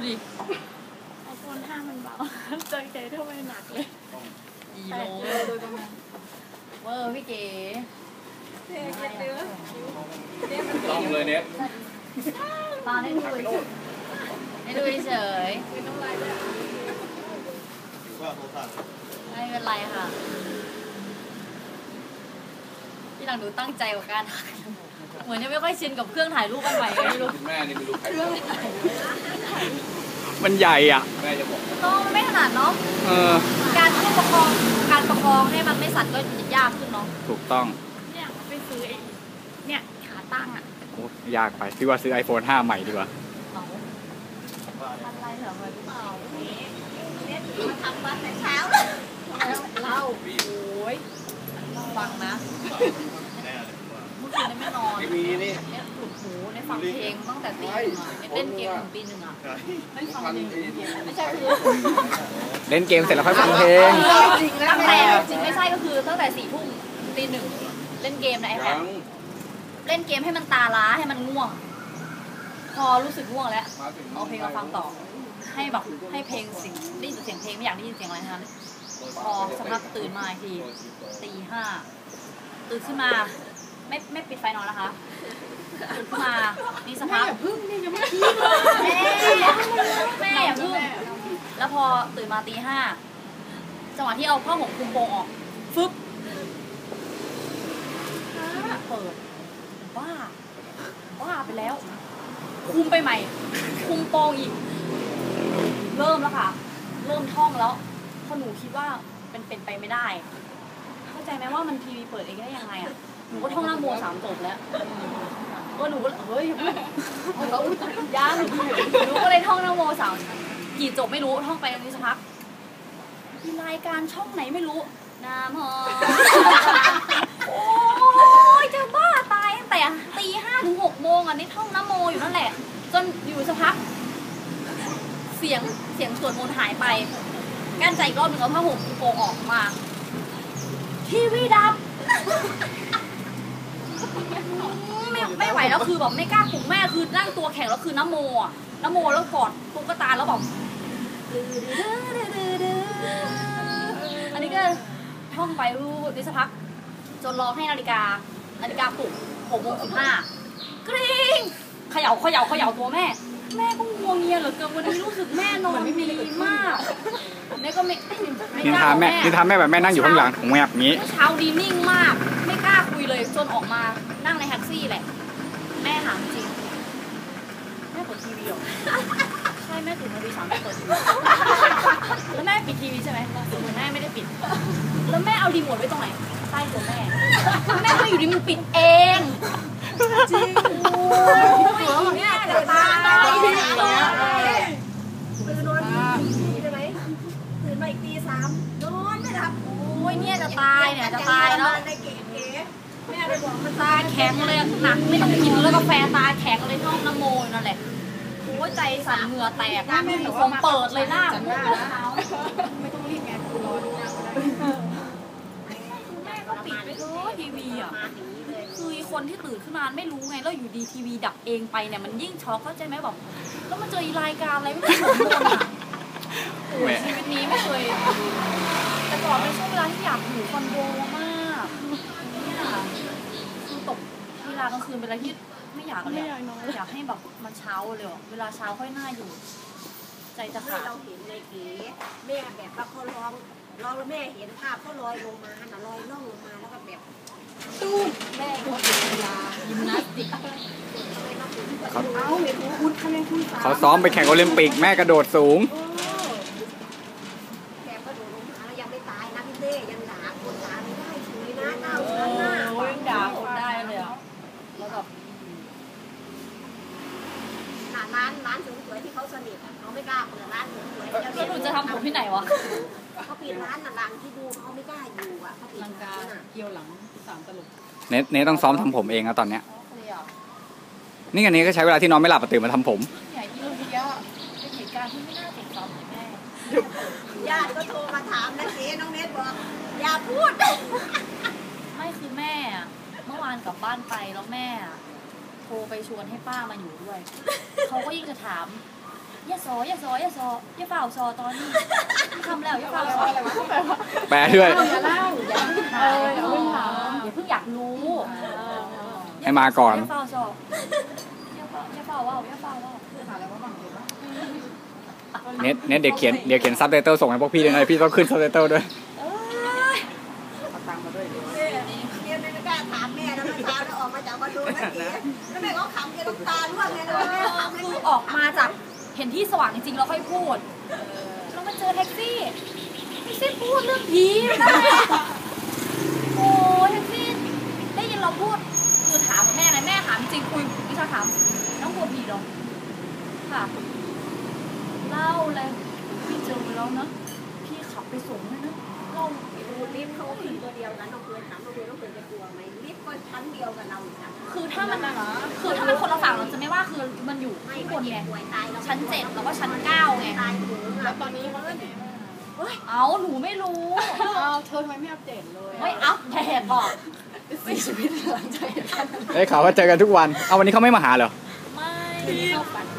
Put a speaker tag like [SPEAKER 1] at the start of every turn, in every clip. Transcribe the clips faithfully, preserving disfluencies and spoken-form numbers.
[SPEAKER 1] ดิไอโฟนห้ามันเบาเจอใจทำไมหนักเลยอีโลเลยเวอร์พี่เก๋
[SPEAKER 2] ต้องเลยเน็ต
[SPEAKER 1] ตอนให้ดูให้ดูเฉยไม่เป็นไรค่ะที่หลังดูตั้งใจกับการถ่ายเหมือนยังไม่ค่อยชินกับเครื่องถ่ายรูปอันใหม่ไม่รู้
[SPEAKER 2] แม่นี่ไม่รู้ใคร
[SPEAKER 3] มันใหญ่อ่ะ
[SPEAKER 2] แม่จะบอก
[SPEAKER 1] ต้องไม่ขนาดเนาะ
[SPEAKER 3] เออ
[SPEAKER 1] การประคองการประคองให้มันไม่สั่นก็ยากขึ้นเนาะ
[SPEAKER 3] ถูกต้อง
[SPEAKER 1] เนี่ยไปซื้อไอ้เนี่ยขาตั้งอ่ะ
[SPEAKER 3] โอ้ยากไปพี่ว่าซื้อ ไอโฟนห้าใหม่ดีกว่า
[SPEAKER 1] อะไรเหรอไปเปล่าเนี่ยมาทำมาแต่เช้าเลยเล่าโอ้ยฟังนะเมื่อคืนไม่นอนเนี่ยปวดหูในฟังเพลงตั้งแต่ตีหนึ่งอ่ะเล่นเกมถึงตีหนึ่งอ่ะไม่ฟังเพลงไม่ใช่คือ
[SPEAKER 3] เล่นเกมเสร็จแล้วค่อยฟังเพลง
[SPEAKER 1] ตั้งแต่จริงไม่ใช่ก็คือตั้งแต่สี่ทุ่มตีหนึ่งเล่นเกมในไอแพดเล่นเกมให้มันตาล้าให้มันง่วงพอรู้สึกง่วงแล้วเอาเพลงมาฟังต่อให้แบบให้เพลงสิ่งได้ยินเสียงเพลงไม่อยากได้ยินเสียงอะไรทั้งนั้นพอสักพักตื่นมาอีกทีตีห้าตื่นขึ้นมาไม่ไม่ปิดไฟนอนนะคะตื่นขึ้นมานี่สักพักพึ่งนี่ยังไม่ขี้แม่แม่อย่าพึ่งแล้วพอตื่นมาตีห้าจังหวะที่เอาผ้าห่มคลุมโปงออกฟึบเปิดบ้าบ้าไปแล้วคุมไปใหม่คุมโปงอีกเริ่มแล้วค่ะเริ่มท่องแล้วเพราะหนูคิดว่าเป็นเป็นไปไม่ได้เข้าใจไหมว่ามันทีวีเปิดเองได้ยังไงอ่ะหนูก็ท่องนะโมสามจบแล้วก็หนูก็เฮ้ยยังหนูก็เลยท่องนะโมสามกี่จบไม่รู้ท่องไปตรงนี้สักพักมีรายการช่องไหนไม่รู้น้ำหอมโอ้ยจะบ้าตายตั้งแต่ตีห้าถึงหกโมงอ่ะนี่ท่องนะโมอยู่นั่นแหละจนอยู่สักพักเสียงเสียงสวดมนต์หายไปกั้นใจอีกรอบหนึ่งเอาผ้าห่มโปงออกมาทีวีดับไม่ไม่ไหวแล้วคือแบบไม่กล้าปลุกแม่คือนั่งตัวแข็งแล้วคือน้ำโมอ่ะน้ำโมแล้วกอดตุ๊กตาแล้วแบบอันนี้ก็ท่องไปรู้ดิสักพักจนรอให้นาฬิกานาฬิกาปลุกหกโมงสิบห้ากริ๊งเขย่าเขย่าเขย่าตัวแม่แม่ก็งัวเงียเหลือเกินวันนี้รู้สึกแม่นอนดีมากแม่ก็ไม่ไม่
[SPEAKER 3] กล้าแม่นี่ทำแม่แบบแม่นั่งอยู่ข้างหลังของแม่แบบนี้
[SPEAKER 1] เช้าดีนิ่งมากไม่กล้าคุยเลยจนออกมานั่งในแท็กซี่แหละแม่ถามจริงแม่เปิดทีวีหรอใช่แม่ตื่นมาตีสามเปิดทีวีแล้วแม่ปิดทีวีใช่ไหมแม่ไม่ได้ปิดแล้วแม่เอารีโมทไว้ตรงไหนใต้ตัวแม่แม่ก็อยู่ดีมันปิดเองจริงโอ้ยเนี่ยจะตายตื่นนอนใช่ไหมตื่นมาอีกตีสามนอนไม่หลับโอ้ยเนี่ยจะตายเนี่ยจะตายแล้วแม่เลยบอกมันตาแข็งเลยหนักไม่ต้องกินแล้วกาแฟตาแข็งเลยท่องน้ำโมนั่นแหละโอ้ยใจสั่นเหงื่อแตกแม่คงเปิดเลยหน้าผมไม่ต้องรีบไงกูรอดูหน้าก็ได้แม่ก็ปิดไปเถอะทีวีอ่ะคือคนที่ตื่นขึ้นมาไม่รู้ไงแล้วอยู่ดีทีวีดับเองไปเนี่ยมันยิ่งช็อกเข้าใจไหมแบบแล้วมาเจอรายการอะไรไม่รู้หมดเลยโอ้ชีวิตนี้ไม่เคยแต่ก่อนเป็นช่วงเวลาที่อยากอยู่คอนโดมากเนี่ยคือตกเวลากลางคืนเป็นอะไรที่ไม่อยากเลยอยากให้แบบมันเช้าเลยเวลาเช้าค่อยน่าอยู่ใจจะขาด
[SPEAKER 4] เราเห็นในเก๋แม่แบบว่าเขาร้องร้องแล้วแม่เห็นภาพเขาลอยลงมาน่ะลอยล่องลงมาแล้วก็แบบตู้แม่เขาเป็นกีฬายิมนาสติก
[SPEAKER 3] เขาเขาซ้อมไปแข่งโอลิมปิกแม่กระโดดสูง
[SPEAKER 4] แม่กระโดดลงมาแล้วยังไม่ตายนะพี่เต้ยังด่าคนด่าไม่ได้ช่วยนะเก้าชั้นหน้า
[SPEAKER 1] โอ้ยด่าคนได้เลยอ่ะแล้วแบบ
[SPEAKER 4] ร้านร้านสวยๆที่เขาสนิทเขาไม่กล้าเปิดร้านสวยๆ
[SPEAKER 1] แล้วหนูจะทำผมที่ไหนวะ
[SPEAKER 4] เขาปิดร้านน่ะร้านที่ดูเขาไม่กล้าอยู่อ่ะเขาปิดร้านน่ะ
[SPEAKER 1] เกี่ยวหลังสามตลก
[SPEAKER 3] เนทเนทต้องซ้อมทำผมเองนะตอนเนี้ยนี่อันนี้ก็ใช้เวลาที่นอนไม่หลับตื่นมาทำผม
[SPEAKER 1] ใหญ่ที่เราเยอะเป็นเหตุการณ์ที่ไม่น่าเจ็บซ้ำเลยแม่
[SPEAKER 4] ญาติก็โทรมาถามนะเจ๊น้องเนทบอกอย่าพูด
[SPEAKER 1] ไม่คือแม่เมื่อวานกลับบ้านไปแล้วแม่โทรไปชวนให้ป้ามาอยู่ด้วยเขาก็ยิ่งจะถามอย่าซออย่าซออย่าซออย่าเฝ้าซอตอนนี้ทำแล้วอย่าเฝ้าซอ
[SPEAKER 3] แปลด้วย
[SPEAKER 1] อย่าเล่าอย่าเพิ่งถามอย่าเพิ่งถามอย่าเพิ่งอยากรู้
[SPEAKER 3] ให้มาก่อน
[SPEAKER 1] อย่าเฝ้าซออย่าเฝ้าอย่าเฝ้าว่าอย่าเฝ้าว่า
[SPEAKER 3] เน็ตเน็ตเดี๋ยวเขียนเดี๋ยวเขียนซับไตเติลส่งให้พวกพี่ด้วยนะพี่ต้องขึ้นซับไตเติลด้วย
[SPEAKER 4] เนี่ยไม่กล้าถามแม่แล้วเมื่อเช้าแล้วออกมาจากคอนโดนั่นเองแล้วแม่ก็ขำแกน้ำตาร่วงไงเลยแม่ขำเลย
[SPEAKER 1] คือออกมาจากเห็นที่สว่างจริงๆเราค่อยพูดแล้วมาเจอแท็กซี่แท็กซี่พูดเรื่องผีนะโอ้แท็กซี่ได้ยินเราพูดคือถามแม่นะแม่ถามจริงคุยวิชาถามน้องกลัวผีหรอค่ะเล่าเลยพี่เจอแล้วนะพี่ขับไปส่งเลยนะเล่า
[SPEAKER 4] ดูลิฟต์เขาขึ้นตัวเดียวกันน้องเคยถามน้องเคยน้องเคยจะกลัวไหมลิฟต์ก็ชั้นเดียวกับเราอีกนะ
[SPEAKER 1] คือถ้ามันคือถ้ามันคนละฝั่งเราจะไม่ว่าคือมันอยู่
[SPEAKER 4] ไม่
[SPEAKER 1] ที่บ
[SPEAKER 4] คน
[SPEAKER 1] น
[SPEAKER 4] เจ็
[SPEAKER 1] ไง
[SPEAKER 4] บป่วยตายเรา
[SPEAKER 1] ชั้นเจ็ดแล้วก็ชั้นเก้าไง
[SPEAKER 4] ตายหูแล้วตอนนี้
[SPEAKER 1] เอาหนูไม่รู้
[SPEAKER 5] อ้าวเธอทำไมไม่อัปเดตเลย
[SPEAKER 1] ไม่อัพเดตหรอก
[SPEAKER 5] สี่ชีวิตหลังจากเหตุการณ์นั้น
[SPEAKER 3] ได้ข่าวว่าเจอกันทุกวันเอาวันนี้เขาไม่มาหาเหรอ
[SPEAKER 1] ไม่เข้าฝัน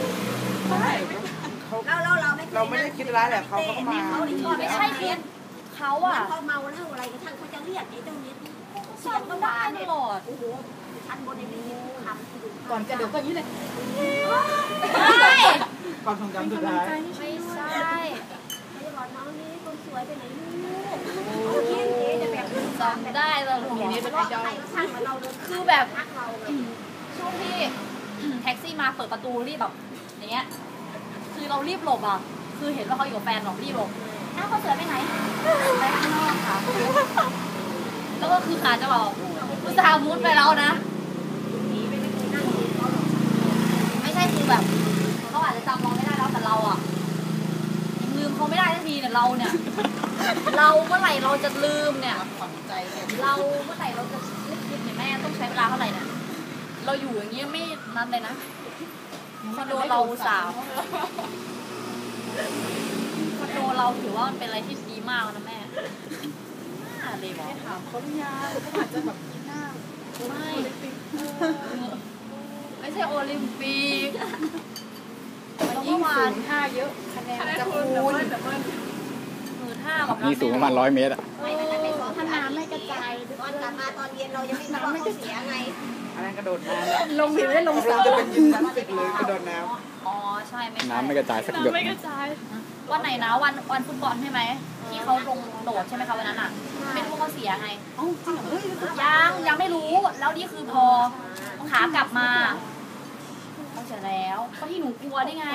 [SPEAKER 4] เราเราเราไม่
[SPEAKER 5] เราไม่ได้คิดร้ายแหละเขาก็มา
[SPEAKER 4] เขาชอบ
[SPEAKER 1] ไม่ใช่คือเขาอะ
[SPEAKER 4] เขาเมาแล้วอะไรกระทั่งเขาจะเรียกไอ้เจ้าเน็ต
[SPEAKER 1] เสียงก็ได้ตลอด
[SPEAKER 4] โอ้โหชั้นบนในนี้คำ
[SPEAKER 5] ก่อนจะเดี๋ยวก็อย่างนี้เลย
[SPEAKER 1] ไม่
[SPEAKER 5] ความทรงจำสุดท้าย
[SPEAKER 1] ไม่ใช่
[SPEAKER 4] เขาจะบอกน้องนี่คนสวยไปไหนลูกเขาคิดเจ๊จะแบบ
[SPEAKER 1] จำได้ตลอด
[SPEAKER 4] นี้เป็นไอดอลใครก็ช่างเหมือนเราเลย
[SPEAKER 1] คือแบบ
[SPEAKER 4] ทักเราเลย
[SPEAKER 1] ช่วงที่แท็กซี่มาเปิดประตูรีบแบบอย่างเงี้ยคือเรารีบหลบอ่ะคือเห็นว่าเขาอยู่กับแฟนหรอกรีบหลบอ้าวเขาเสือไปไหนไปข้างนอกค่ะแล้วก็คือขาจะบอกอุตส่าห์มุดไปแล้วนะ ไม่ใช่คือแบบเขาอาจจะจำเราไม่ได้แล้วแต่เราอ่ะยังลืมเขาไม่ได้ทันทีเนี่ยเราเนี่ย เราเมื่อไหร่เราจะลืมเนี่ย
[SPEAKER 5] ฝังใจเลย
[SPEAKER 1] เราเมื่อไหร่เราจะนึกคิดเนี่ยแม่ต้องใช้เวลาเท่าไหร่เนี่ยเราอยู่อย่างเงี้ยไม่นันเลยนะคอนโดเราสามคอนโดเราถือว่ามันเป็นอะไรที่ดีมากนะแม่น่าเลยบอก
[SPEAKER 5] ถามเขาหรือยังเขาอาจจะแบบกินหน้า
[SPEAKER 1] ไม่ไม่ใช่โอลิมปิก
[SPEAKER 5] มันยิ่งสูงท่าเยอะคะแนนจะคูณ
[SPEAKER 1] มือท่าแบบ
[SPEAKER 3] นี่สูงประมาณร้อยเมตรอะ
[SPEAKER 4] ไม่ไม่ไม่สอน
[SPEAKER 5] ถ้าน้ำไม่กระจาย
[SPEAKER 4] ตอนกลับมาตอนเย็นเรายังไม่รู้ว่าเขาเสียไง
[SPEAKER 5] อันนั้นกระโดดน้ำลงผิวไม่ได้ลงสระจะเป็นยิมนาสติกเลยกระโดดน้
[SPEAKER 1] อ๋อใช่ไม่ใช่
[SPEAKER 3] น้ำไม่กระจายสักหยด
[SPEAKER 1] วันไหนนะวันวันฟุตบอลใช่ไหมที่เขาลงโดดใช่ไหมคะวันนั้นอ่ะไม่รู้ว่าเขาเสียไง
[SPEAKER 5] ำเอ้าจริงเหรอเฮ้ย
[SPEAKER 1] ยังยังไม่รู้แล้วนี่คือพอขากลับมาเขาเสียแล้วก็ที่หนูกลัวได้ไง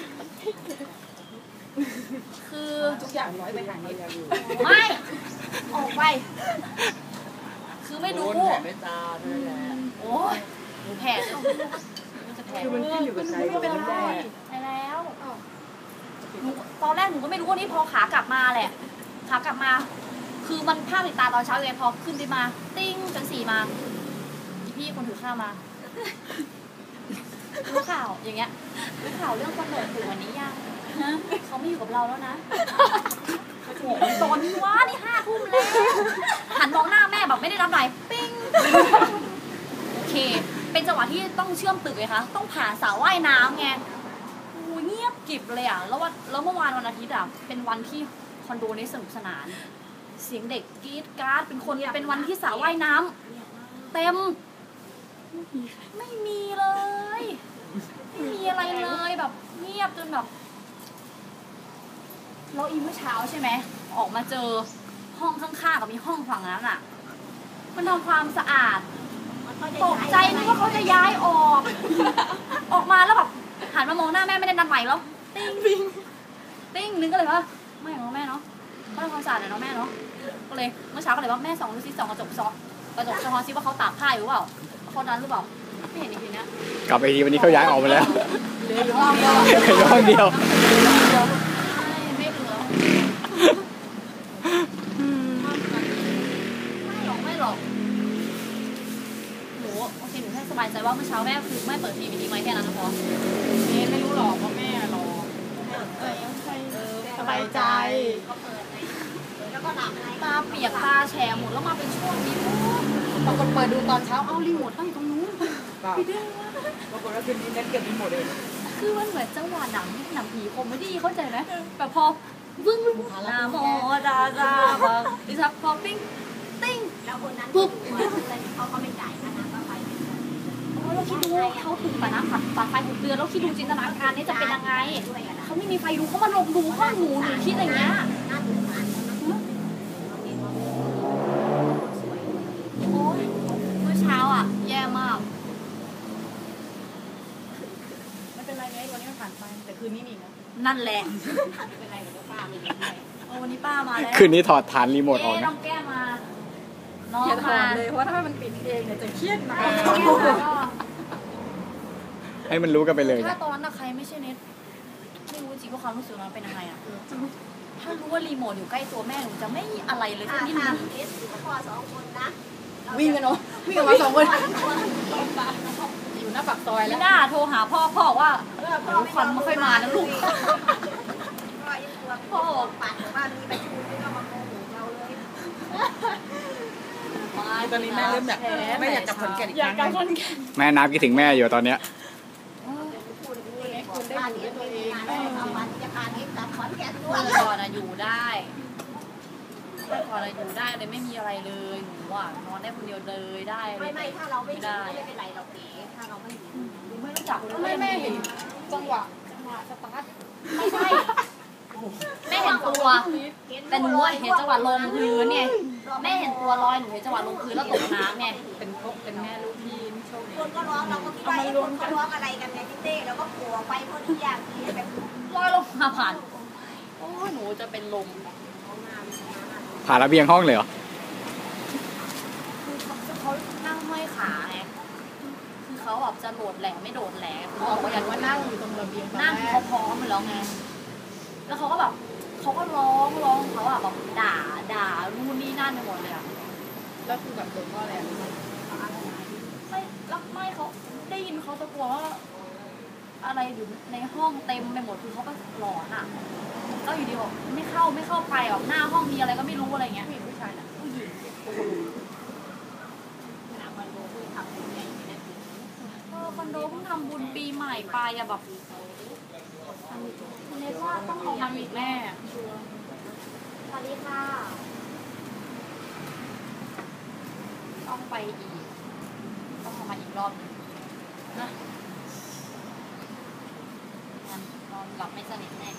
[SPEAKER 1] คือ
[SPEAKER 5] ทุกอย่างร้อยไปหาเงินอยู่
[SPEAKER 1] ไม่ออกไป คือไม่รู้
[SPEAKER 5] ไม่ตาด้วยแหละ
[SPEAKER 1] โอ้ยหนูแผลจะมันจะแผล
[SPEAKER 5] คือมันขึ้นอยู่กับใจเราไม่ได้
[SPEAKER 1] ไปแล้วหนูตอนแรกหนูก็ไม่รู้ว่านี่พอขากลับมาแหละ ขากลับมา คือมันภาพติดตาตอนเช้าเลยพอขึ้นไปมา ติ้งจนสี่มา พี่คนถือข้าวมารู้ข่าวอย่างเงี้ยรู้ข่าวเรื่องคนโดดถึงวันนี้ยังฮะเขาไม่อยู่กับเราแล้วนะโอ้โหตอนนี้วะนี่ห้าทุ่มแล้วหันมองหน้าแม่แบบไม่ได้รับไหลปิ้งโอเค เป็นจังหวะที่ต้องเชื่อมตึกเลยคะต้องผ่านสระว่ายน้ำไงโอ้เงียบกริบเลยอ่ะแล้ววันแล้วเมื่อวานวันอาทิตย์อ่ะเป็นวันที่คอนโดนี้สนุกสนาน เสียงเด็กกรี๊ดกราร์ดเป็นคนเป็นวันที่สระว่ายน้ำเต็มไม่มีเลยไม่มีอะไรเลยแบบเงียบจนแบบเราอีเมื่อเช้าใช่ไหมออกมาเจอห้องข้างๆกับมีห้องฝั่งนั้นอ่ะมันทำความสะอาดตกใจนึกว่าเขาจะย้ายออก ออกมาแล้วแบบหันมามองหน้าแม่ไม่ได้นัดใหม่แล้วติ้งติ้งติ้งนึงก็เลยว่าไม่ของแม่เนาะก็ทำความสะอาดหน่อยเนาะแม่เนาะก็เลยเมื่อเช้าก็เลยว่าแม่ส่องดูซิส่องกระจกซอกระจกสะท้อนซิว่าเขาตากผ้าอยู่เปล่าเขานั้นหรือเปล่าไม่เห็นอีกทีเนี้ย
[SPEAKER 3] กลับไปทีวันนี้เขาย้ายออกไปแล้ว
[SPEAKER 5] เดี๋ยวห้องก็
[SPEAKER 3] เหลือห้องเดียว
[SPEAKER 1] ไม่เหลือไม่หรอกไม่หรอกหนูโอเคหนูแค่สบายใจว่าเมื่อเช้าแม่คือแม่เปิดทีวีทิ้งไว้แค่นั้นนะพอ
[SPEAKER 5] เอ๊ะไม่รู้หรอกว่าแม่รอเออใช่สบายใจ
[SPEAKER 4] ก็เปิดไงแล้วก็หลับไง
[SPEAKER 1] ตาเปียกตาแฉะหมดแล้วมาเป็นช่วงนี้ปุ๊บ
[SPEAKER 5] ปรากฏเปิดดูตอนเช้าเอ้ารีโมท
[SPEAKER 1] ตั้งอยู่ตรงนู้น
[SPEAKER 5] ปรากฏว่าคืนนี้เน็ตเก็บรีโมทเอง
[SPEAKER 1] คือมันเหมือนจังหวะหนังหนังผีคอมเมดี้เข้าใจไหมแบบพอวึ้งนาโมดาดาบังดิฉันพอปิ้งติ้ง
[SPEAKER 4] แล้วคนนั้น
[SPEAKER 1] ปุ๊บ
[SPEAKER 4] เขาก็ไม่จ่ายค่าน้ำค่าไฟ
[SPEAKER 1] โอ้เราคิดดูเขาถูกตัดน้ำตัดตัดไฟหกเดือนแล้วคิดดูจินตนาการนี่จะเป็นยังไงเขาไม่มีไฟดูเขามาลงดูห้องหนูหนูคิดอย่างเงี้ย
[SPEAKER 4] น่าสงสาร
[SPEAKER 1] โอ้ยเมื่อเช้าอ่ะแย่มาก
[SPEAKER 5] ไม่เป็นไรไงวันนี้มันผ่านไปแต่คืนนี้มีนะ
[SPEAKER 1] นั่นแหละ
[SPEAKER 4] ไม่เป็นไรเดี๋ยวป้าไม่ได้
[SPEAKER 1] โอ้วันนี้ป้ามาแล้ว
[SPEAKER 3] คืนนี้ถอดฐานรีโมทออก
[SPEAKER 1] เอ๊ะน้
[SPEAKER 3] นะ
[SPEAKER 1] องแก้มมาน้อง
[SPEAKER 5] อย่าถอ
[SPEAKER 1] มา
[SPEAKER 5] ดเลยเพราะว่าถ้ามันปิดเองเนี่ยจะเครียดนะ
[SPEAKER 1] แก้มมาก็
[SPEAKER 3] ให้มันรู้กันไปเลย
[SPEAKER 1] ถ้า
[SPEAKER 3] นะ
[SPEAKER 1] ตอนนั้นนะใครไม่ใช่เน็ตไม่รู้จริงว่าความรู้สึกนั้นเป็นยังไงอ่ะถ้ารู้ว่ารีโมทอยู่ใกล้ตัวแม่หนูจะไม่อะไรเลย
[SPEAKER 4] ถ้า
[SPEAKER 1] ทั้งที่
[SPEAKER 4] ถ้า
[SPEAKER 1] มัน
[SPEAKER 4] เอสพ่อสองคนนะ
[SPEAKER 5] วิ่งกันเนาะวิ่งกันมาสองคนอยู่หน้าปากซอยแล้
[SPEAKER 1] ไม่
[SPEAKER 5] ว
[SPEAKER 1] น่าโทรหาพ่อพ่อว่า
[SPEAKER 4] พ่อ
[SPEAKER 1] ควันไม่ค่อยมานะลูก
[SPEAKER 4] พ่อยังกลัวพ่อปัดว่ามีประชุมที่เรามาโกหกเราเลย
[SPEAKER 5] ตอนนี้แม่เริ่มอยากไม่อยากกลับขอนแก่นอีกครั้งหนึ่ง
[SPEAKER 3] แม่นับคิดถึงแม่อยู่ตอนเนี้ย
[SPEAKER 4] พูดอย่างนี้คนได้อยู่ด้วยตัวเองเอาวันจะพาเอ็กซ์กลับขอนแก่นด้ว
[SPEAKER 1] เมื่
[SPEAKER 4] ย
[SPEAKER 1] อก่อนอะอยู่ได้เมื่อก่อนอะอยู่ได้เลยไม่มีอะไรเลยหนูอะนอนได้คนเดียวเลยได้เล
[SPEAKER 4] ไม่
[SPEAKER 1] ย
[SPEAKER 4] ไม่ถ้าเราไม่ได้ไม่เป็นไรเราเก๋ถ้าเราไม่ดี
[SPEAKER 1] หนูไม่รู้จักเลย
[SPEAKER 5] ไม่แม่เห็นจังหวะจังหวะสตาร์ท
[SPEAKER 1] ไม่ใช่แม่เห็นตัว แต่หนูอะเห็นจังหวะลงพื้นไงแม่เห็นตัวลอยหนูเห็นจังหวะลงพื้นแล้วตกน้ำไง
[SPEAKER 5] เป็นพกเป็นแม่ลูกที่โชคดี
[SPEAKER 4] คนก็ร้องเราก็คิดว่าคนเขาร้องอะไรกันไงพี่เต้เราก็กลัวไปเพราะทุกอย่างที่แบบ
[SPEAKER 1] ลอยลงมาผ่านโอ้ยหนูจะเป็นลม
[SPEAKER 3] ผ่านระเบียงห้องเลยเหรอ
[SPEAKER 1] คือเขาเขานั่งห้อยขาไงคือเขาแบบจะโดดแหลมไม่โดดแหลมเขาบอกว่าอยาก
[SPEAKER 5] ว่า
[SPEAKER 1] ว่า
[SPEAKER 5] นั่
[SPEAKER 1] นั่
[SPEAKER 5] ง
[SPEAKER 1] ง
[SPEAKER 5] อยู่ตรงระเบียง
[SPEAKER 1] นั่งเขาพร้อมไปแล้วไง แล้วเขาก็แบบเขาก็ร้องร้องเขาอะแบบด่าด่านู่นนี่นั่นไปหมดเลยอะ
[SPEAKER 5] แล้วคือแบบโดนว่าอะไร
[SPEAKER 1] ไม่แล้วไม่เขาได้ยินเขาตะโกนว่าอะไรอยู่ในห้องเต็มไปหมดคือเขาก็หลอนอะแล้วอยู่ดีบอกไม่เข้าไม่เข้าไปแบบหน้าห้องมีอะไรก็ไม่รู้อะไรเงี้ย
[SPEAKER 5] ผู้หญิงผู้ชายน่ะ
[SPEAKER 1] ผู้หญิง
[SPEAKER 4] ขนาดมันโดนทำอย่างนี้นะ
[SPEAKER 1] เออคอนโดเพิ่งทำบุญปีใหม่ไปอะแบบเนทว่าต้องเอามาอีกแม่สวัสดีค่ะ ต้องไปอีก ต้องเอามาอีกรอบหนึ่งนะงั้นนอนหลับไม่สนิทแน่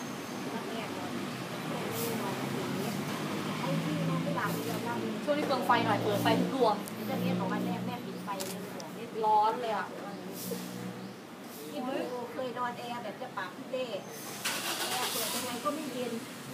[SPEAKER 4] ไอ้ที่น้องไม่หลับเดียวเรา
[SPEAKER 1] ช่วงนี้เปลืองไฟหน่อยเปลืองไฟทุกดวง
[SPEAKER 4] จะเรียนของวันแรกแม่ปิดไฟเลยบอกนี่
[SPEAKER 1] ร้อนเลยอะ
[SPEAKER 4] ที่ดูเคยนอนแอร์แบบจะปากพี่เต้แอร์เปิดยังไงก็ไม่เย็น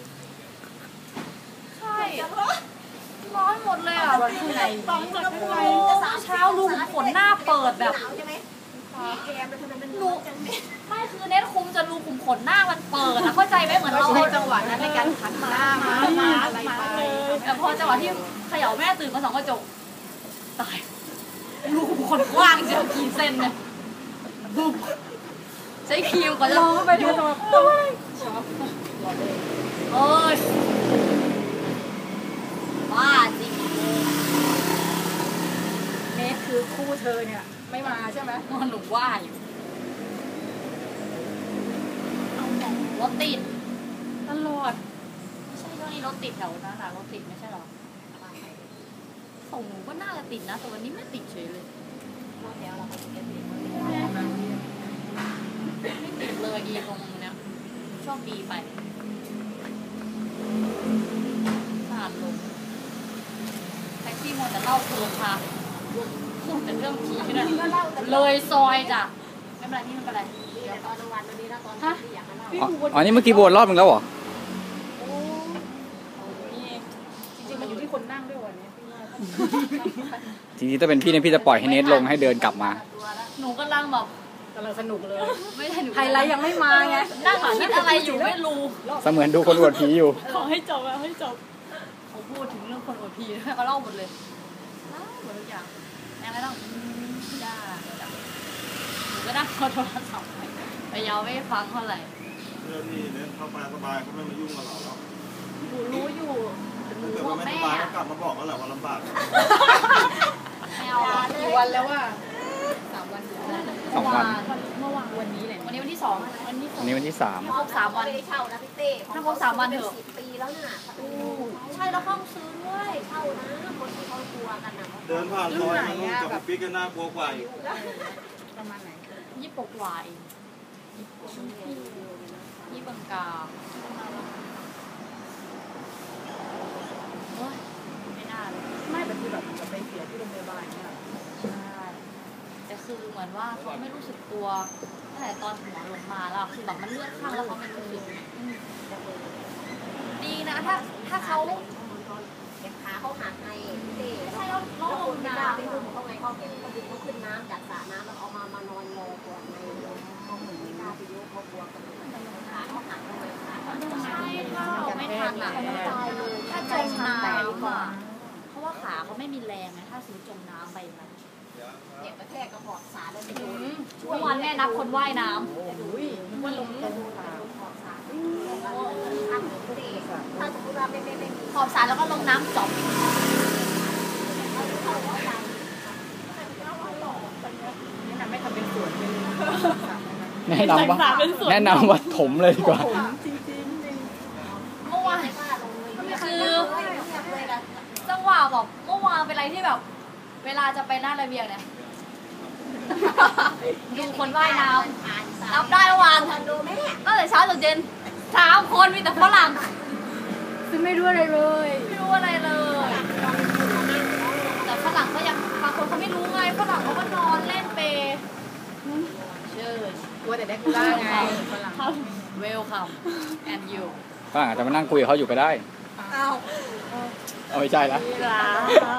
[SPEAKER 1] ใช่ ร้อนหมดเลยอะ
[SPEAKER 5] ข้างใน
[SPEAKER 4] สองกระปุก
[SPEAKER 1] เช้าลุงขนหน้าเปิดแบบ
[SPEAKER 4] หนาวใช่ไหมแอร์มันทำไมมัน
[SPEAKER 1] ลุ
[SPEAKER 4] ร้อง นจังเนี่ย
[SPEAKER 1] ไม่คือเน็ตคุมจะรูขุมขนหน้ามันเปิดอะเข้าใจไหมเหมือน
[SPEAKER 5] เรา
[SPEAKER 1] เรา
[SPEAKER 5] ใช้จังหวะนั้นในการขันมามามาอะไรไป
[SPEAKER 1] แต่พอจังหวะที่เขย่าแม่ตื่นมาสองกระจกตายรูขุมขนกว้างเจียวกี่เซนเนี่ยบุ๊บใช้ครีมก่อนจะ
[SPEAKER 5] ลองเข้าไปดูจังหวะช็อปหลอดเลย
[SPEAKER 1] เอ้ยบ้าจริง
[SPEAKER 5] เนทคือคู่เธอเนี่ยไม่มาใช่ไหม
[SPEAKER 1] นอนหนูว่าอยู่รถติด
[SPEAKER 5] ตลอด
[SPEAKER 1] ไม่ใช่ช่วงนี้รถติดแถวนั้นนะรถติดไม่ใช่หรอของหนูก็น่าจะติดนะแต่วันนี้ไม่ติดเฉยเลย
[SPEAKER 4] รอบแล้วเราก็เก็บเอง
[SPEAKER 1] ไม่ติดเลยอีตรงเนี้ยโชคดีไปผ่านลงแท็กซี่มัวแต่เล่าเพลินค่ะพูดแต่เรื่องผีเนี่ยเลยซอยจ้ะไม่เป็นไรนี่ไม่เป็นไร
[SPEAKER 4] ดีแต่ตอนกลางวันวันนี้นะตอนที่อยากมาเล่า
[SPEAKER 3] อ๋ออ๋อนี่เมื่อกี้วนรอบนึงแล้วเหรอ
[SPEAKER 5] โอ้นี่จริงๆมันอยู่ที่คนนั่งด้วยวันนี้
[SPEAKER 3] จริงๆถ้าเป็นพี่เนี่ยพี่จะปล่อยให้เนทลงให้เดินกลับมา
[SPEAKER 1] หนูกำลังแบบ
[SPEAKER 5] กำลังสนุกเลย
[SPEAKER 1] ไม่ใช่หนู
[SPEAKER 5] ไฮไลท์ยังไม่มาไง
[SPEAKER 1] นั่งคิดอะไรอยู่ไม่รู้
[SPEAKER 3] เสมือนดูคนอวดผีอยู่
[SPEAKER 5] ขอให้จบอะให้จบ
[SPEAKER 1] เขาพูดถึงเรื่องคนอวดผีเขาเล่าหมดเลยเล่าหมดทุกอย่างแม่ไม่ต้องอืมได้ได้หนูก็นั่งเอาโทรศัพท์ไปไปยาวไม่ฟังเท่าไหร่
[SPEAKER 6] เรื่องที่เนี่ยเข้ามาสบายเขาไม่มายุ่งกับเราแล้ว
[SPEAKER 1] หนูรู้อยู่หนู
[SPEAKER 6] ถ้าเกิด
[SPEAKER 1] บอ
[SPEAKER 6] ว่าก ไม่
[SPEAKER 1] แม่
[SPEAKER 6] สบายก็
[SPEAKER 1] อะ
[SPEAKER 6] กลับมาบอกแล้วแหละว่าลำบาก
[SPEAKER 1] ไม่เอาอะ
[SPEAKER 5] กี่วันแล้วว่าสามวัน
[SPEAKER 3] สองวัน
[SPEAKER 5] เมื่อวานวันนี้แหละ
[SPEAKER 1] วันนี้วันที่สองวันนี้
[SPEAKER 3] วันนี้วันที่สาม
[SPEAKER 1] ครบสามวัน
[SPEAKER 4] ไม่ได้เช่านะพี่เต้
[SPEAKER 1] ถ้าครบสามวันเถอะ
[SPEAKER 4] สิบปีแล้วน่ะ
[SPEAKER 1] ใช่แล้วห้องซื้อด้วย
[SPEAKER 4] เช่านะคนที่เขากลัวกันนะ
[SPEAKER 6] เดินผ่านซอยมันกับปิ๊กกันน่ากลัวกว่าอีก
[SPEAKER 5] ประมาณไหน
[SPEAKER 1] ยี่ปกวายยี่บังกาโอ้ยไม่น่าเลย
[SPEAKER 5] ไม่แต่คือแบบจะไปเสียที่โรงพยาบาลเนี่ย
[SPEAKER 1] ใช่แต่คือเหมือนว่าเขาไม่รู้สึกตัวตั้งแต่ตอนหัวลงมาแล้วคือแบบมันเลื่อนข้างแล้วเขาไม่รู้สึกดีนะถ้าถ้าเขา
[SPEAKER 4] เก็บขาเขาหักไงพี่เต้
[SPEAKER 1] ใช่แล้วแล้วลง
[SPEAKER 4] ไม่
[SPEAKER 1] น้
[SPEAKER 4] กล้าไปอุ้มเขาไงเขาเก็บเขาดึงเขาขึ้นน้ำจากสระน้ำแล้วเอามามานอนรอก่อนในเขาเหมือนไม่กล้าไปยุ่งเขากลัวกันขาเขาหักทำไมขาเขาหัก
[SPEAKER 1] ำใช่ถ้าเราไม่ทันอ่ะ
[SPEAKER 4] ตายเลย
[SPEAKER 1] ถ้าจมน้ำอ่ะเพราะว่าขาเขาไม่มีแรงไงถ้าสมมติจมน้ำไปมัน
[SPEAKER 4] เจ็บกระแทกกระบอกสาแล้วไปโดน
[SPEAKER 1] เมื่อวานแม่นับคนว่ายน้
[SPEAKER 5] อุ้ยมันลงตรงตา
[SPEAKER 4] ถ้าถ้าสมมติว่าไม่ไม่ไม่มี
[SPEAKER 1] ำขอบสระแล้วก็ลงน้ำจบ
[SPEAKER 5] แนะนำไม่ทำเป็นสวนเป็น
[SPEAKER 3] แนะนำว่าแนะนำว่าถมเลยดีกว่า
[SPEAKER 5] จริงจริงจริง
[SPEAKER 1] เมื่อวานคือจังหวะแบบเมื่อวานเป็นอะไรที่แบบ เวลาจะไปหน้าระเบียงเนี่ยดูคนว่ายน้ำนับได้เมื่อวาน
[SPEAKER 4] ดูแม่
[SPEAKER 1] ตั้งแต่เช้าจนเย็นสามคนมีแต่ฝรั่ง
[SPEAKER 5] ซึ่งไม่รู้อะไรเลย
[SPEAKER 1] ไม่รู้อะไรเลย แต่ฝรั่งก็ยังบางคนเขาไม่รู้ไงฝรั่งเขาก็นอนเล่นเปย์เชิญ
[SPEAKER 5] กลัวแต่ได้กูล่าไงฝรั่ง
[SPEAKER 1] welcome and you
[SPEAKER 3] ฝรั่งอาจจะมานั่งคุยกับเขาอยู่ก็ได้
[SPEAKER 1] อ้าว
[SPEAKER 3] เอาไม่ใช่ละ
[SPEAKER 1] ร้าน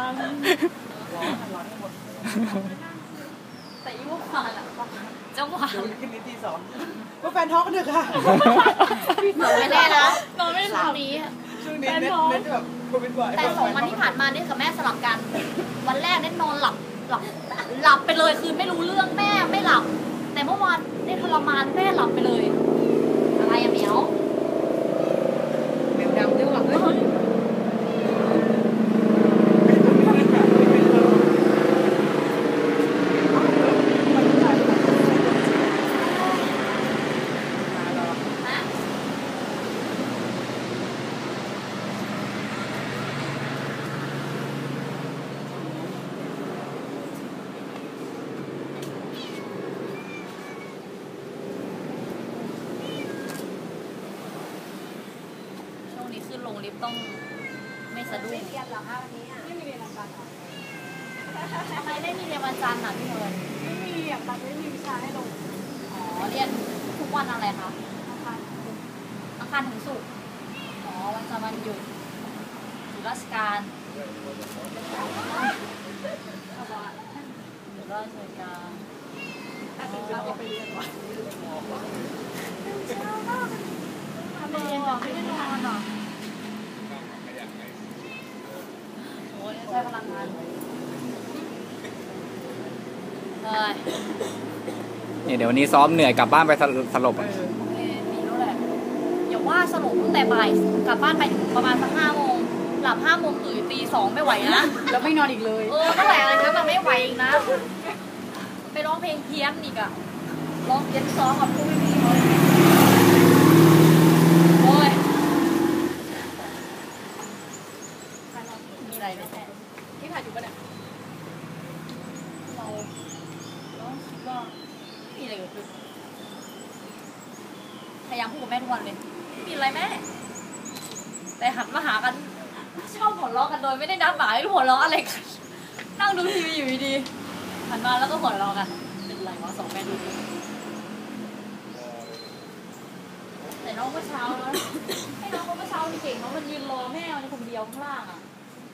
[SPEAKER 1] แต่ยี่ห้อผ่านอะจังหวะ
[SPEAKER 5] ขึ้นนิดที่สองว่าแฟนท้องกันเถอะค่ะ
[SPEAKER 1] นอนไม่แน่นะนอนไม่หลับนี้
[SPEAKER 5] ช่วงนี้เน็ตเน็ตแบบโควิดบ่อย
[SPEAKER 1] แต่สองวันที่ผ่านมาเนี่ยกับแม่สลับกัน วันแรกเน็ตนอนหลับหลับหลับไปเลยคือไม่รู้เรื่องแม่ไม่หลับ แต่เมื่อวานเน็ตทรมานแม่หลับไปเลย อะไรอะเหมียว
[SPEAKER 5] เน็ตดำจังหวะเฮ้ย
[SPEAKER 1] ฮะช่วงนี้ขึ้นลงลิฟต์ต้องไม่สะดุ้ง
[SPEAKER 4] ไม่เรียนหรอคะวันนี้ไม่มีเรียนหลักการ
[SPEAKER 1] ทำไมไม่มีเรียนวันจันทร์อ่ะพี่เอิญ
[SPEAKER 4] ไม่มีอ่ะตัดไม่มีวิชาให้ลง
[SPEAKER 1] อ๋อเรียนทุกวันอะไรคะอังคารถึงศุกร์อ๋อวันจันทร์วันหยุดหยุดราชการหยุดราชการ
[SPEAKER 4] ถ้าเป็นเราก็ไปเรียนวะ
[SPEAKER 1] ทำไมเรียนแบบไม่ได้นอนอ่ะโอ้ยใช้พลังงานเลยเฮ้ย
[SPEAKER 3] นี่เดี๋ยววันนี้ซ้อมเหนื่อยกลับบ้านไปสลสลบอะ
[SPEAKER 1] เอ้ยมีรู้แหละอย่าว่าสรุปตั้งแต่บ่ายกลับบ้านไปประมาณสักห้าโมงหลับห้าโมงตื่นตีสองไม่ไหวนะ
[SPEAKER 5] แล้วไม่นอนอีกเลย
[SPEAKER 1] เออไม่ไหวอะไรนะมันไม่ไหวอีกนะ ไปร้องเพลงเพี้ยนอีกอะร้องเพี้ยนซ้อมกับผู้ไม่มีเลยโอ้ยมีอะไรไหมแม่ที่ถ่ายอยู่ปะเนี่ยเราเราคิดว่าไม่มีอะไรเกิดขึ้นพยายามพูดกับแม่ทุกวันเลยไม่มีอะไรแม่ แต่หันมาหากันชอบหัวเราะกันโดยไม่ได้นัดหมายหัวเราะอะไรกัน นั่งดูทีวีอยู่ดีๆหันมาแล้วก็หัวเราะกัน เป็นไรวะสองแม่ดูกแต่น้องเมื่อเช้านะให้น้องเมื่อเช้านี่เก่งน้องมันยืนรอแม่ในคนเดียวข้างล่างอ่ะ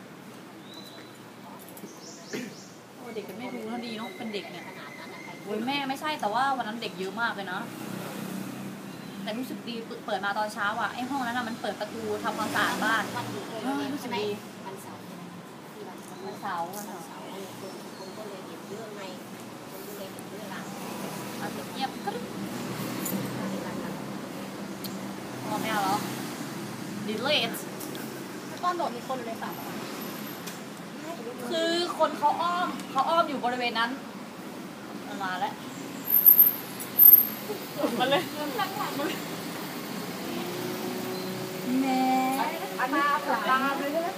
[SPEAKER 1] โอ้เด็กเป็นแม่ดูน่าดีเนาะเป็นเด็กเนี่ยโอ้ยแม่ไม่ใช่แต่ว่าวันนั้นเด็กเยอะมากเลยนะแต่รู้สึกดีเปิดมาตอนเช้าอ่ะไอ้ห้องนั้นอ่ะมันเปิดประตูทำความสะอาดบ้านรู้สึกดี
[SPEAKER 4] วันเสาร์
[SPEAKER 1] วันเสาร์วันเสาร์
[SPEAKER 4] คนก็เลยเห็นเรื่องในคนก็เลยเห็นเรื่องหลัง
[SPEAKER 1] อาจจะเงียบก็ได้พอไม่เอาแล้วดีเลทตอนโดดมีคนอยู่ในสระคือคนเขาอ้อมเขาอ้อมอยู่บริเวณนั้นมันมาแล้ว
[SPEAKER 5] มาเลย
[SPEAKER 1] แม่
[SPEAKER 4] อันนี้ตามเลยนะ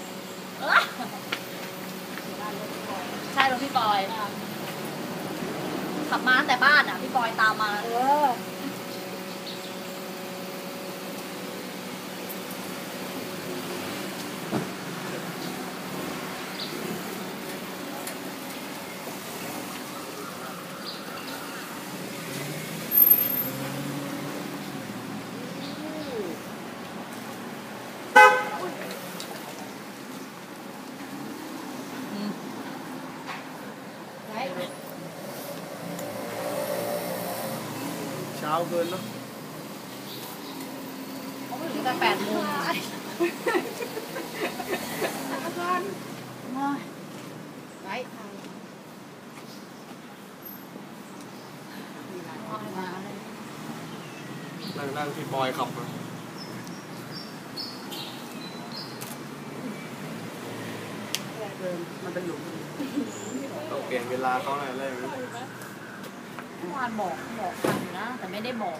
[SPEAKER 1] ใช่รถพี่ปอยขับมาตั้งแต่บ้านอ่ะพี่ปอยตามมา
[SPEAKER 4] เออ
[SPEAKER 6] เช้าเกินเนาะ
[SPEAKER 1] เขาไม่ถึงแต่แปดโมงไว้
[SPEAKER 6] นั่งนั่งที่บอยขับมาต้องเปลี่ยนเวลาเขาหน่อยเลย
[SPEAKER 1] เมื่อวานบอกบอกทันนะแต่ไม่ได้บอก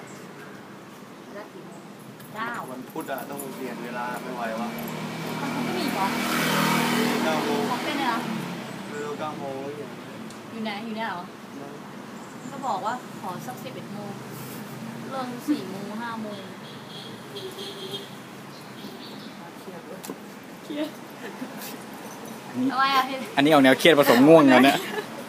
[SPEAKER 1] เก้า
[SPEAKER 6] วันพุธอะต้องเปลี่ยนเวลาไม่ไหววะ
[SPEAKER 1] มันคงไม่มีหรอ
[SPEAKER 6] เก้าโมง
[SPEAKER 1] บอกแค่นี้นะ
[SPEAKER 6] เร็วเก้าโมงอย่าง
[SPEAKER 1] อยู่ไหนอยู่เนี่ยเหรอก็บอกว่าขอสักสิบเอ็ดโมงเริ่มสี่โมงห้าโมง
[SPEAKER 3] อันนี้
[SPEAKER 1] ทำไมอ่ะพี่
[SPEAKER 3] อันนี้เอาแนวเครียดผสมง่วงกันเนี่ย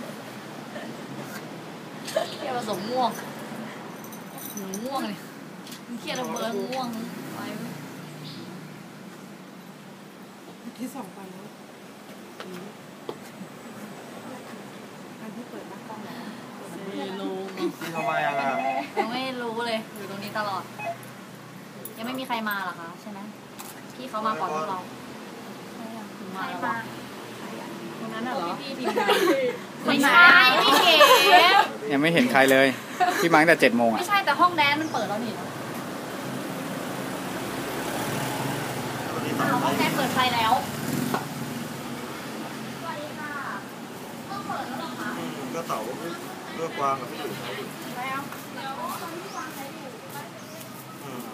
[SPEAKER 1] เครียดผสมง่วงหนูง่วงเลยเครียดระเบิดง่วงไป
[SPEAKER 5] ที่สองไปแล้วอันที่เปิดหน้ากล้องแล้วไม่รู้
[SPEAKER 6] ที่ทำไมอะล่ะ
[SPEAKER 1] ยังไม่รู้เลยอยู่ตรงนี้ตลอด ยังไม่มีใครมาหรอคะใช่ไหมพี่เขามาก่อนพวกเราถึงมาแล้ววะ
[SPEAKER 5] คนนั้นน่ะเหรอ
[SPEAKER 1] พี่ทีมงานไม่ใช่พี่เก๋
[SPEAKER 3] ยังไม่เห็นใครเลย พี่มาตั้งแต่เจ็ดโมง
[SPEAKER 1] ไม่
[SPEAKER 3] อ่ะ
[SPEAKER 1] ใช่แต่ห้องแดนมันเปิดแล้วนี่อ้าวห้องแดนเปิดไฟแล้วสวัสดีค่ะห้องเปิดแล้วเหรอคะ
[SPEAKER 6] อืมก็เต๋าเลือกวางกับพี่อยู่
[SPEAKER 1] แล้วเดี๋ยวตอนที่วางใช้อยู่
[SPEAKER 6] อืม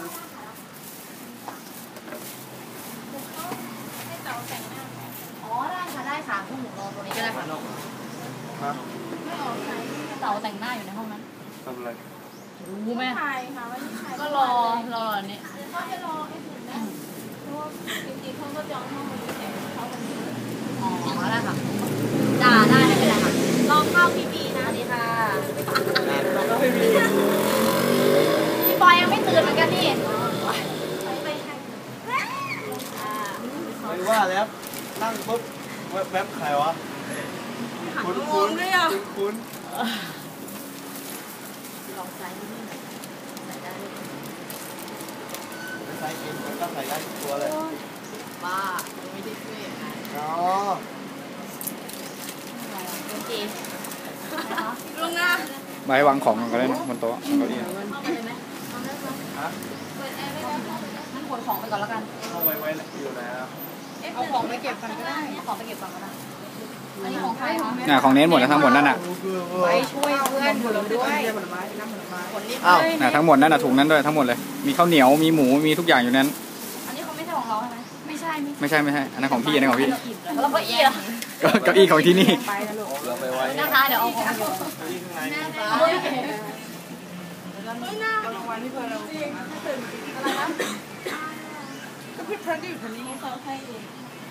[SPEAKER 1] ให้เต๋าแต่งหน้าอ๋อได้ค่ะได้ค่ะพวกหนูรอตัวนี้ก็ได้ค่ะ
[SPEAKER 6] ฮะ
[SPEAKER 1] เต๋าแต่งหน้าอยู่ในห้องนั้น
[SPEAKER 6] ทำอะไร
[SPEAKER 1] รู้ไหม
[SPEAKER 5] ถ่ายค่ะวันนี้ถ่าย
[SPEAKER 1] ก็รอรออันนี้
[SPEAKER 5] เขาจะรอให้ถึงได้เพราะว่าจริงๆเขาก็จองห้องวันนี้แต่เขาวันนี้
[SPEAKER 1] อ๋อได้ค่ะจ้าได้ไม่เป็นไรค่ะลองเข้าพี่บีนะดีค่ะพี่ปอยยังไม่ตื่นเหมือนกันนี่
[SPEAKER 6] ไม่ว่าแล้วนั่งปุ๊บแวบๆใครวะคุ้นคุ้นคุ้น
[SPEAKER 1] ลองใส่ที่นี่ใส่ได้เลย
[SPEAKER 6] ใส่เองมันก็ใส่ได้ทุกตัวเลย
[SPEAKER 1] บ้าไม่ได้ช่วยยังไง
[SPEAKER 6] อ๋อ
[SPEAKER 1] โอเค
[SPEAKER 5] ลุงนะ
[SPEAKER 3] มาให้วางของกันก็ได้นะบนโต๊ะบนเก้าอี้
[SPEAKER 1] เข้าไปเลยไหมเอาได้ไหม
[SPEAKER 6] ฮะ
[SPEAKER 1] เปิดแอร์ไม่ได้งั้นขนของไปก่อนแล้วกัน
[SPEAKER 6] เข้าไว้ไว้อยู่แล้ว
[SPEAKER 5] เอาของไปเก็บกันก็ได้
[SPEAKER 1] เอาของไปเก็บก่อนก็ได้อันนี้ของใครคะ
[SPEAKER 3] น่ะของเน้นหมดแล้วทั้งหมดนั่นน่ะ
[SPEAKER 5] ไปช่วยเพื่อนคนด้วยผลไม้น้ำผลไม้คนรีบ
[SPEAKER 6] อ้าว
[SPEAKER 3] น่ะทั้งหมดนั่นน่ะถุงนั้นด้วยทั้งหมดเลย มีข้าวเหนียว มีหมู มีทุกอย่างอยู่นั้น
[SPEAKER 1] อันนี้เขาไม่ใช่ของเราใช่ไหมไม่ใช่ไม่
[SPEAKER 3] ไม่ใช่ไม่ใช่ อันนั้นของพี่ อันนั้นของพี่
[SPEAKER 1] แล้วก็เอีย
[SPEAKER 3] ก็เก้าอี้ของที่นี่
[SPEAKER 5] ไปนะลูก
[SPEAKER 6] เราไปไว้
[SPEAKER 1] นะคะเดี๋ยวเอาของไป
[SPEAKER 6] ที่ข้างใน
[SPEAKER 1] เฮ้ย
[SPEAKER 5] เอารางวัลที่เพื่อนเราอะไรนะก็พี่เพื่อนก็อยู่คนนี้ให้เขาให้เอง